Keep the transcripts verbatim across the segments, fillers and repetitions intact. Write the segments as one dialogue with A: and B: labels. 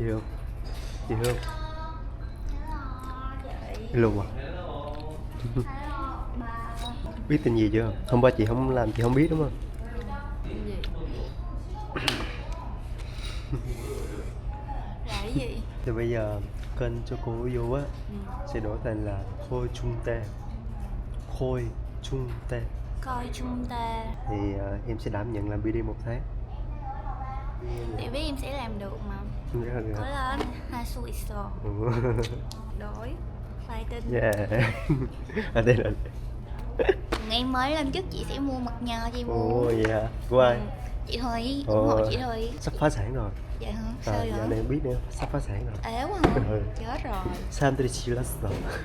A: Chị Hương, chị Hương luôn à? Biết tin gì chưa? Hôm qua chị không làm chị không biết đúng không?
B: Gì? Là cái gì?
A: Thì bây giờ kênh cho cô vô á
B: Ừ.
A: sẽ đổi thành là Khôi Trung Tê. Khôi Trung Tê.
B: Coi chúng ta.
A: Thì uh, em sẽ đảm nhận làm bê đê một tháng.
B: Chị biết em sẽ làm được mà.
A: Em rất là
B: Cố
A: được.
B: lên. Hasu iso. Đổi. Fighting.
A: Yeah. À đây là.
B: Ngày mới lên chức chị sẽ mua mật nhờ chị mua.
A: Ồ vậy hả? Của ai?
B: Ừ. Chị Thùy,
A: Ồ.
B: ủng hộ chị Thùy.
A: Sắp phá sản rồi.
B: Dạ hả? Sao
A: À,
B: vậy?
A: dạo này em biết nữa, sắp phá sản rồi.
B: Ế quá hả?
A: Ừ.
B: Chết rồi.
A: 사람들이 질렀어.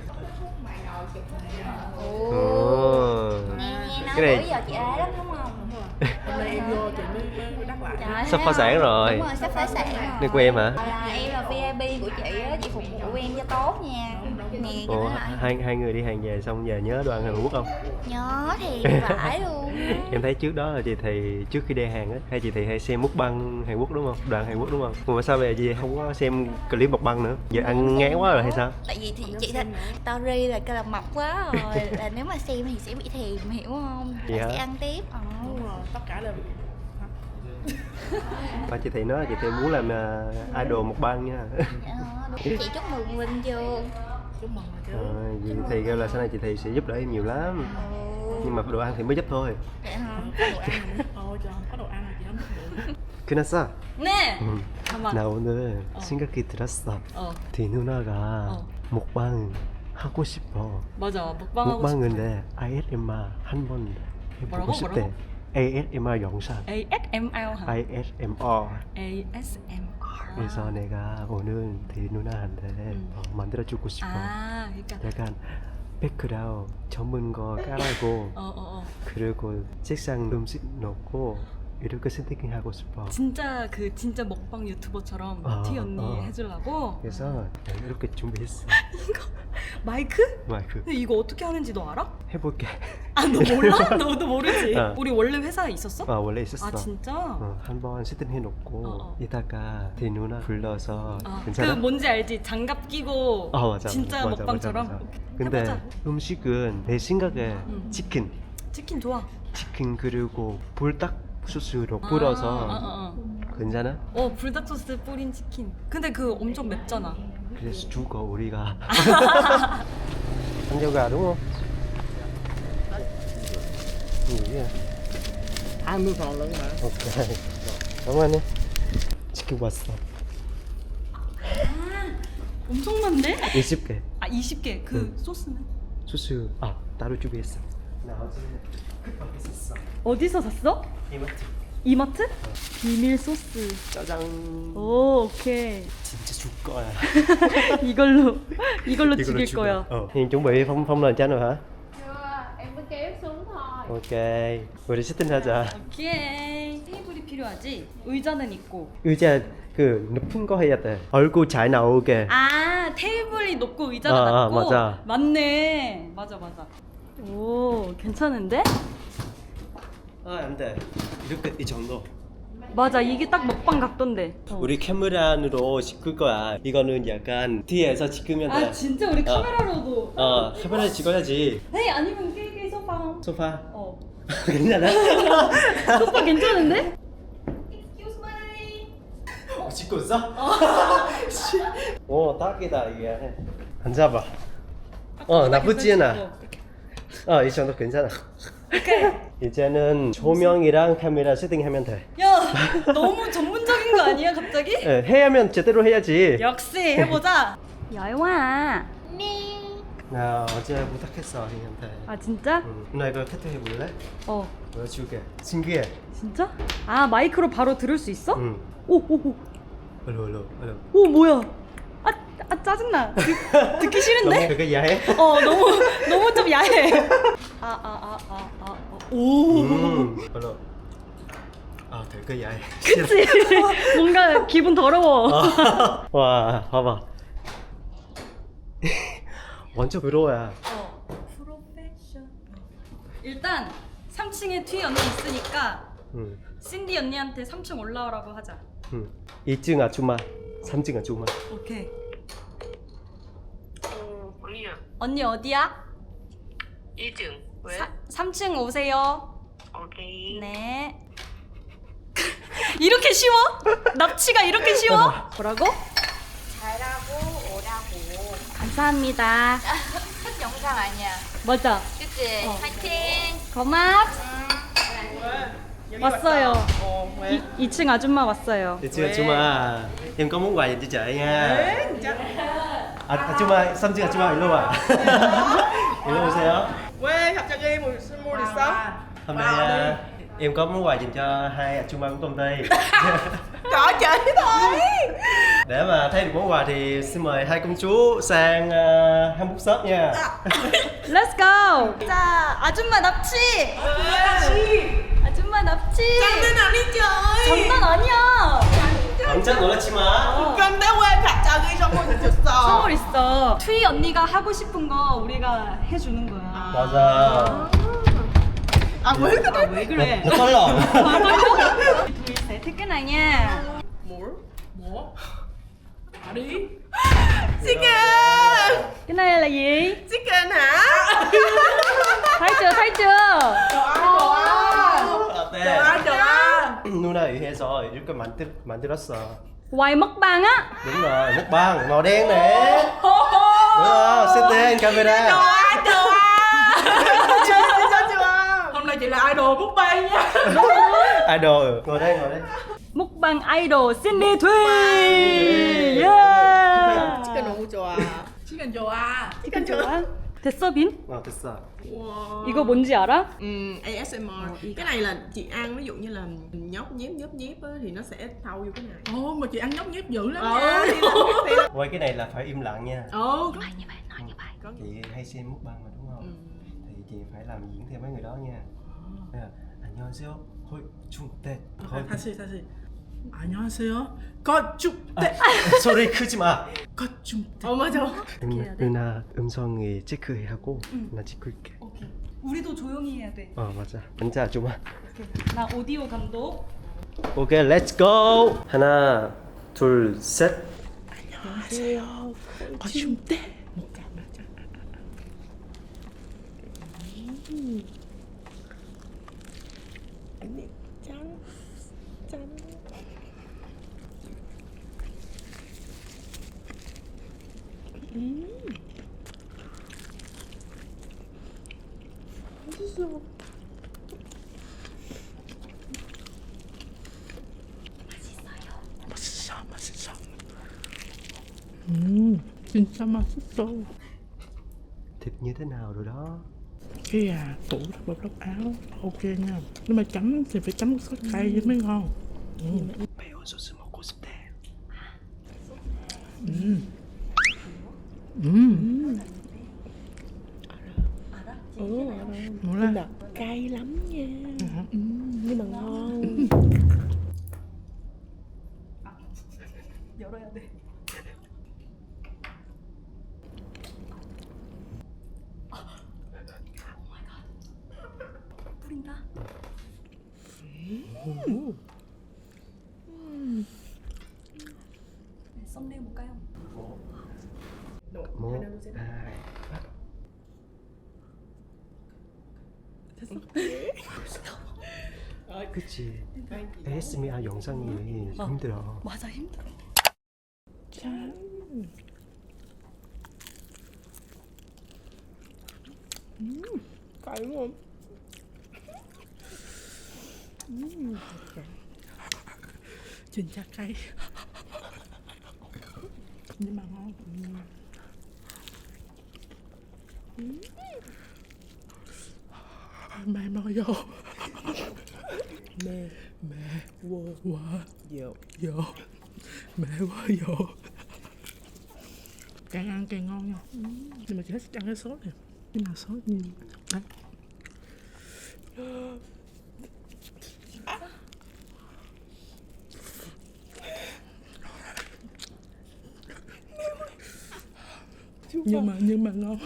B: Ồ.
A: Ồ.
B: Nghe nghe nói
A: Cái này-
B: bữa giờ chị ế lắm đúng không?
C: Hôm nay em vô chị mới mới đắc lại.
B: Trời,
A: Sắp
B: thấy
A: phá
B: không?
A: sản rồi.
B: Đúng rồi, sắp phá sản rồi.
A: Này của em hả?
B: Là em là vê i pê của chị á, chị phục vụ em cho tốt nha. Nè, cho
A: Ủa,
B: nó lại.
A: hai hai người đi hàng về xong giờ nhớ đồ ăn Hàn Quốc không?
B: Nhớ thì vãi luôn á.
A: Em thấy trước đó là chị thì trước khi đi Hàn á, hay chị thì hay xem mukbang Hàn Quốc đúng không? Đoạn Hàn Quốc đúng không? Mà sao bây giờ chị không có xem clip mukbang nữa? Giờ ăn ngán quá rồi hay sao?
B: Tại vì thì chị thích story là cái là mập quá rồi, là nếu mà xem thì sẽ bị thèm, hiểu không?
A: Vậy
B: Là
A: hả?
B: sẽ ăn tiếp. Ờ.
C: Đúng rồi, tất cả đều
A: Và chị thì nói là chị thì muốn làm uh, idol mukbang nha.
B: Dạ, đúng. Chị chúc mừng Linh chưa?
C: chúc mừng rồi chứ.
A: Ờ, chị thì kêu là sau này chị thì sẽ giúp đỡ em nhiều lắm.
B: Ồ.
A: Nhưng mà đồ ăn thì mới giúp thôi.
B: Dạ hả?
C: Có đồ ăn là mới thôi, chứ không có đồ ăn là chị không được.
A: 끝났어?
B: Nè.
A: 응.
C: 잠깐만.
A: 나 오늘
C: 어.
A: 생각이 들었어.
C: 어,
A: 디 누나가
C: 어.
A: 먹방 하고 싶어.
C: 맞아. 먹방하고 싶어.
A: 먹방인데 에이에스엠알 한번 해보고
C: 뭐라고?
A: 싶대.
C: 뭐라고?
A: 에이에스엠알 영상.
C: a ét em rờ hả?
A: 에이에스엠알.
C: a ét em rờ.
A: 그래서 내가 오늘 디 누나한테
C: 음.
A: 어, 만들어주고 싶어.
C: 아, 그러니까.
A: 약간 백그라운 전문 거 깔아고
C: 어, 어, 어.
A: 그리고 책상 음식 넣고 이렇게 세팅하고 싶어.
C: 진짜 그 진짜 먹방 유튜버처럼
A: 어,
C: 티 언니
A: 어.
C: 해주려고.
A: 그래서 이렇게 준비했어.
C: 마이크?
A: 마이크
C: 근데 이거 어떻게 하는지 너 알아?
A: 해볼게.
C: 아, 너 몰라? 너도 모르지?
A: 어.
C: 우리 원래 회사에 있었어?
A: 아 원래 있었어.
C: 아, 진짜?
A: 어, 한번 세팅해놓고
C: 어, 어.
A: 이따가 디 누나 불러서
C: 아,
A: 괜찮아?
C: 그 뭔지 알지? 장갑 끼고
A: 어 맞아.
C: 진짜
A: 맞아,
C: 먹방처럼?
A: 맞아, 맞아.
C: 오케이.
A: 근데
C: 해보자.
A: 음식은 내 생각에
C: 음.
A: 치킨,
C: 치킨 좋아.
A: 치킨 그리고 불닭 소스로
C: 아,
A: 뿌려서
C: 어, 어, 어.
A: 괜찮아?
C: 어, 불닭 소스 뿌린 치킨. 근데 그 엄청 맵잖아.
A: 그래서 죽어 우리가. 한정가 đúng không? Gì vậy?
C: hai mươi phần lận mà.
A: Ok. Cảm ơn em. 치킨 왔어.
C: 엄청 많네?
A: 이십 개.
C: 아, 이십 개. 그
A: 응.
C: 소스는?
A: 소스 아 따로 준비했어. 나 어제 급하게 샀어.
C: 어디서 샀어?
A: 이마트.
C: 이마트? 비밀 소스.
A: 짜장.
C: 오, 오케이.
A: 진짜 줄 거야.
C: 이걸로 이걸로
A: 이걸로
C: 죽일
A: 죽여.
C: 거야.
A: Ờ. Hiền chuẩn bị phong phong nền chanh rồi hả?
D: Chưa, em mới kéo xuống thôi.
A: Ok. 우리 세팅하자.
C: 오케이. 테이블이 필요하지? 의자는 있고.
A: 의자 그 높은 거 해야 돼. 얼굴 잘 나오게.
C: 아, 테이블이 높고 의자가
A: 아, 아,
C: 낮고.
A: 맞아.
C: 맞네. 맞아, 맞아. 오, 괜찮은데?
A: 아, 안 돼. 이렇게 이 정도.
C: 맞아, 이게 딱 먹방 각도인데. 어.
A: 우리 카메라로 찍을 거야. 이거는 약간 뒤에서 찍으면 돼.
C: 아, 진짜 우리
A: 어.
C: 카메라로도.
A: 어, 카메라 찍어야지.
C: 에이, 아니면 깨게 소파.
A: 소파.
C: 어.
A: 괜찮아?
C: 소파 괜찮은데?
A: 어, 찍고 있어? 오, 딱이다 이게. 앉아봐. 어, 나쁘지 않아. 어, 이 정도 괜찮아.
C: 오케이.
A: 이제는 조명이랑 카메라 세팅하면 돼.
C: 야, 너무 전문적인 거 아니야, 갑자기?
A: 예, 해야면 제대로 해야지.
C: 역시 해보자. 야영아.
A: 나 어제 부탁했어 형한테.
C: 아, 진짜?
A: 응. 누나 이거 테트 해볼래?
C: 어.
A: 보여줄게. 신기해.
C: 진짜? 아, 마이크로 바로 들을 수 있어?
A: 응.
C: 오, 오, 오.
A: 얼른 얼른 얼른.
C: 오, 뭐야? 아, 아 짜증나. 듣, 듣기
A: 너무
C: 싫은데?
A: 그게 야해?
C: 어, 너무 너무 좀 야해. 아, 아, 아, 아, 아. 어. 오.
A: 음. 얼른. 아, 되게 야해.
C: 그치? 뭔가 기분 더러워.
A: 아, 와, 봐봐. 완전 부러워야.
C: 어. 프로페셔널. 일단 삼 층에 티 언니 있으니까
A: 응.
C: 신디 언니한테 삼 층 올라오라고 하자.
A: 응. 이 층 아줌마. 삼 층 아줌마.
C: 오케이.
E: 어, 언니야.
C: 언니 어디야?
E: 일 층. 왜?
C: 사, 삼 층 오세요.
E: 오케이.
C: 네. 이렇게 쉬워? 납치가 이렇게 쉬워? 뭐라고?
B: 잘하고 오라고.
C: 감사합니다.
B: 첫 영상 아니야.
C: 맞아.
B: 그치?
C: 어.
B: 파이팅.
C: 고맙.
F: 여기
C: 왔어요.
F: 왔다. 어, 왜?
C: 이, 이 층 아줌마 왔어요.
A: Được chưa 아줌마? Em có món quà dành cho chị nha.
F: 에? 진짜?
A: 아, 아줌마, 삼 층 아줌마 일로 와. 일로 오세요.
F: 왜 갑자기 뭐 선물 있어?
A: Hôm nay à, em có món quà dành cho hai a줌마 của công ty.
F: Có chị thôi.
A: Để mà thấy được món quà thì xin mời hai công chúa sang uh, Hamburg shop nha.
C: Let's go. 자, 아줌마 납치. 아줌마 납치.
F: 장난 아니죠?
C: 장난 아니야.
A: 깜짝 놀랐지 마.
F: 근데 왜 갑자기 선물 주셨어?
C: 선물 있어. 투이 언니가 하고 싶은 거 우리가 해주는 거야.
A: 맞아.
F: 아왜 그래?
C: 왜 그래?
A: Nó có lộn.
C: 둘, 셋. cái này nha.
F: 뭘? 뭐? 다리? chicken!
C: Cái này là gì?
F: chicken hả?
C: thấy chưa? thấy chưa?
F: đồ ăn, đồ ăn! đồ
A: 어때?
F: ăn, đồ ăn!
A: 누나 의해서 이렇게 만들 만들었어.
C: Quay mukbang á.
A: Đúng rồi, nước băng màu đen nè. Đúng không? Xếp lên
F: đồ
A: camera.
F: ăn, đồ ăn! chưa chưa chưa hôm nay chị là idol bút bay nha.
A: Idol, ngồi đây, ngồi đây.
C: Mukbang idol Sydney Thùy. Yeah.
F: chicken 너무 좋아. chicken 좋아. chicken
C: 좋아. 됐어 빈?
A: Ờ, 됐어.
F: wow.
C: 이거 뭔지 알아?
F: Ừ, a ét em rờ. Cái này là chị ăn ví dụ như là nhóc nhép nhớp nhép á, thì nó sẽ thâu vô cái này. Ồ mà chị ăn nhóc nhép dữ lắm nha.
A: Quay cái này là phải im lặng nha.
F: Ồ.
C: Nói như vậy, nói như vậy.
A: Chị hay xem mukbang mà đúng không? Thì chị phải làm diễn theo mấy người đó nha. Nên là 안녕하세요. 헐 중대. 헐.
F: 다시 다시. 안녕하세요. 거죽대.
A: 소리 크지 마.
F: 거죽대. 어 맞아.
A: 누나, 누나 음성이 체크하고 나 찍을게.
C: 오케이. 우리도 조용히 해야 돼.
A: 어 맞아. 앉아 아줌마.
C: 오케이. 나 오디오 감독.
A: 오케이, 렛츠 고. 하나, 둘, 셋.
F: 안녕하세요. 거죽대. 맞아 맞아. 언니 짠 짠. 음. 맛있어. 맛있어, 맛있어. 음, 진짜 맛있어.
A: Thịt như thế nào rồi đó?
F: Cái à, tủ đắp bọc đắp áo, ok nha. Nhưng mà chấm thì phải chấm sốt cay với mới ngon. Ừ.
A: 매운 소스 먹고 싶대.
F: 음. 음.
C: 알아?
F: 몰라.
G: cay lắm nha.
F: 음.
G: Nhưng mà ngon.
C: 열어야 돼. 뿌린다. 네, 썸네일 볼까요?
A: một hai ba. 그치. 에이에스엠알 영상이 힘들어.
C: 맞아 힘들어.
F: 짠. 음, cay đúng không? 음, 진짜 cay. Nhưng mà ngon. 음. 음. Mẹ mò vô.
G: Mê
F: Mẹ
G: quơ
F: quá
G: dạo
F: vô. Mẹ quá vô. Càng ăn càng ngon nha. Nhưng mà chị thích ăn cái sốt này. Nhưng mà sốt như đấy. Nhưng mà nhưng mà ngon.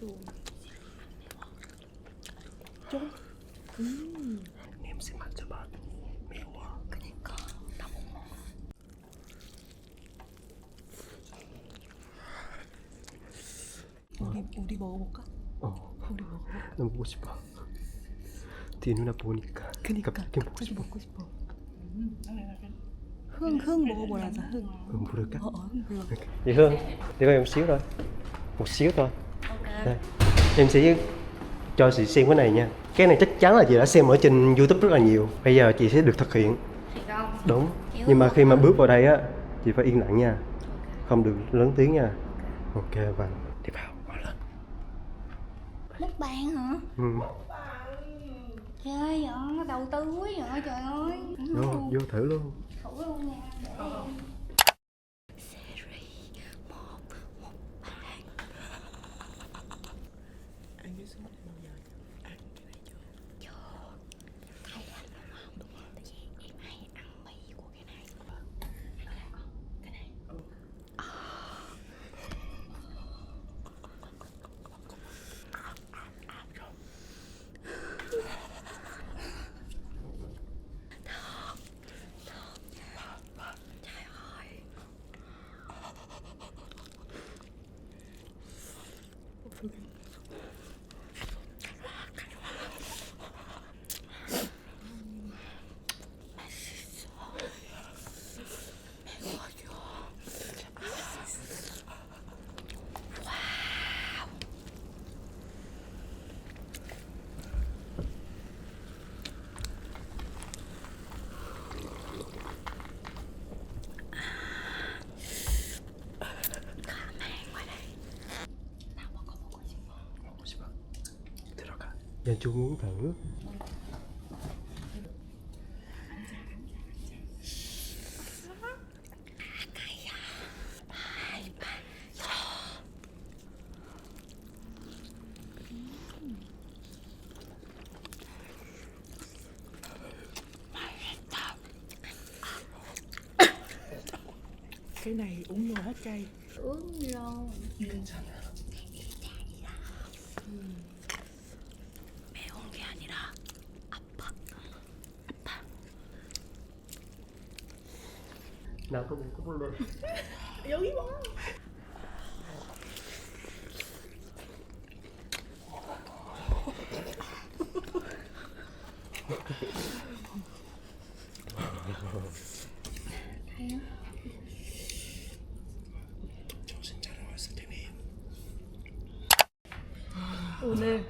A: 냄새 맡아봐. 매워.
B: 그니까 나 못 먹어.
C: 우리 우리 먹어볼까?
A: 어,
C: 우리 먹어.
A: 나 먹고 싶어. 뒤에 누나 보니까.
C: 그니까
A: 갑자기 먹고
C: 갑자기
A: 싶어.
C: 먹고 싶어. hương hương 먹어보라자 hương.
A: Hương 부를까?
C: 어, 어 hương 불러.
A: Vậy Hương, để coi một xíu thôi. Một xíu thôi.
B: Ok.
A: Đây. Em sẽ cho chị xem cái này nha. Cái này chắc chắn là chị đã xem ở trên YouTube rất là nhiều. Bây giờ chị sẽ được thực hiện.
B: Thiệt không?
A: Đúng.
B: Hiểu
A: Nhưng mà
B: không?
A: khi mà bước vào đây á, chị phải yên lặng nha. Không được lớn tiếng nha. Ok và đi vào. Vào lên.
B: Mukbang hả?
A: Ừ.
B: Trời ơi, vậy đầu tư quá vậy trời ơi.
A: Vô, vô thử luôn.
B: Thử luôn nha.
F: Ăn cái sốt bao giờ ăn cái này chưa?
A: 먹고 싶어. 들어가. 연주 muốn thử.
F: Cái này uống vô hết cay.
B: Uống vô.
C: 매운 게 아니라 아파.
A: Nào có một có lên.
F: Dữ quá.
C: 오늘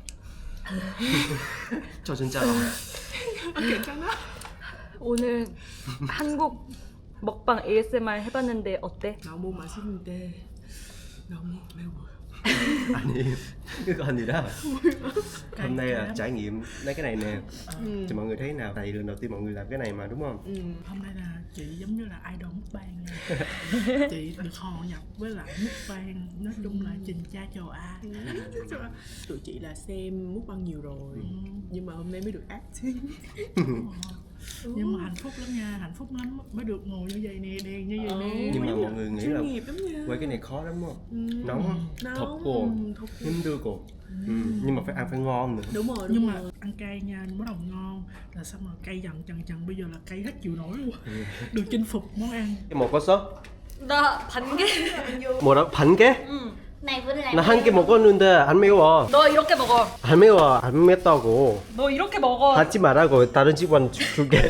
A: 저 진짜로.
F: 괜찮아?
C: 오늘 한국 먹방 에이에스엠알 해봤는데 어때?
F: 너무 맛있는데 너무 매워.
A: Anh em, cái con gì đó. Hôm nay là trải nghiệm lấy cái này nè.
F: Ừ.
A: Thì mọi người thấy nào? Tại vì lần đầu tiên mọi người làm cái này mà đúng không?
F: Ừ, hôm nay là chị giống như là idol mukbang nha. Chị được hò nhập với lại mukbang, nói chung là trình cha chầu A. Tụi chị là xem mukbang nhiều rồi, nhưng mà hôm nay mới được acting. Nhưng mà hạnh phúc lắm nha, hạnh phúc lắm mới được ngồi như vậy nè, đèn như vậy nè.
A: Nhưng mà mọi người nghĩ là
F: chuyên nghiệp lắm nha.
A: quay cái này khó lắm không?
F: Ừ.
A: Nóng á,
F: Nóng,
A: thập cô,
F: ừ, thập cô.
A: 힘들고. Ừ. Nhưng mà phải ăn phải ngon nữa.
F: Đúng rồi, đúng nhưng rồi. Mà ăn cay nha, bắt đầu ngon là xong rồi cay dần dần dần, bây giờ là cay hết chịu nổi luôn.
A: Ừ.
F: Được chinh phục món ăn.
A: Cái một có sốt.
C: 나 반개.
A: Một đó 반 개?
C: 응.
B: Này vừa làm.
A: 나 한 개 먹었는데 안 매워.
C: 너 이렇게 먹어.
A: 안 매워, 안 맵다고.
C: 너 이렇게 먹어.
A: 하지 말라고 다른 집안 주- 줄게.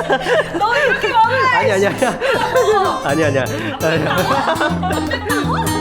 C: 너 이렇게 먹어.
A: 아니 아니 아니야. 아니 아니야. 아니야.